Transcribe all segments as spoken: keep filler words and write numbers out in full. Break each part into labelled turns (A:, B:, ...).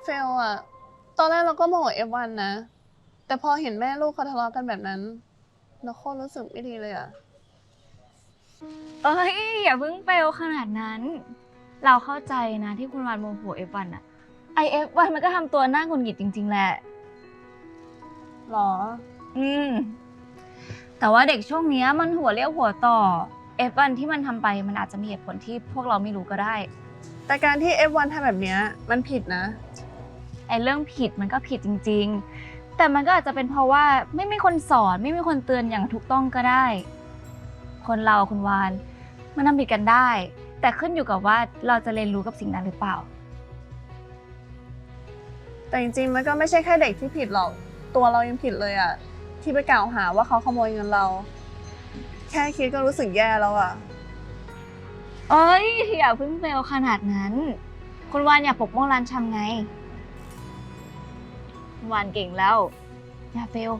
A: เฟลอะตอนแรกเราก็โมโหเอฟวันนะ แต่พอเห็นแม่ลูกเขาทะเลาะกันแบบนั้น เราโคตรรู้สึกไม่ดีเลยอะ
B: เอ้ยอย่าเพิ่งเฟลขนาดนั้น เราเข้าใจนะที่คุณวานโมโหเอฟวันอะไอเอฟวันมันก็ทำตัวน่าหงุดหงิดจริงๆแหละ
A: หรอ
B: อืม แต่ว่าเด็กช่วงนี้มันหัวเรียวหัวต่อเอฟวันที่มันทำไปมันอาจจะมีเหตุผลที่พวกเราไม่รู้ก็ได้
A: แต่การที่เอฟวันทำแบบเนี้ยมันผิดนะ
B: ไอ้เรื่องผิดมันก็ผิดจริงๆ แต่มันก็อาจจะเป็นเพราะว่าไม่มีคนสอนไม่มีคนเตือนอย่างถูกต้องก็ได้ คนเราคุณวานมันทำผิดกันได้ แต่ขึ้นอยู่กับว่าเราจะเรียนรู้กับสิ่งนั้นหรือเปล่า
A: แต่จริงๆมันก็ไม่ใช่แค่เด็กที่ผิดหรอก ตัวเรายังผิดเลยอะที่ไปกล่าวหาว่าเขาขโมยเงินเรา แค่คิดก็รู้สึกแย่แล้วอะ
B: เอ้ยอย่าเพิ่งเฟลขนาดนั้น คุณวานอย่าปกป้องร้านชำไงคุณวานเก่งแล้ว อย่าเฟล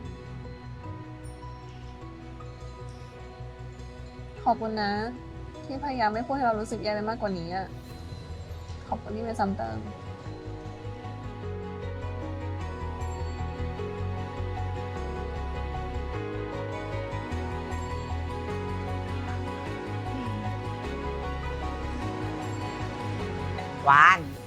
A: ขอบคุณนะ ที่พยายามไม่พูดให้เรารู้สึกแย่ไปมากกว่านี้อะขอบคุณที่ไม่ซ้ำเติม
C: วาน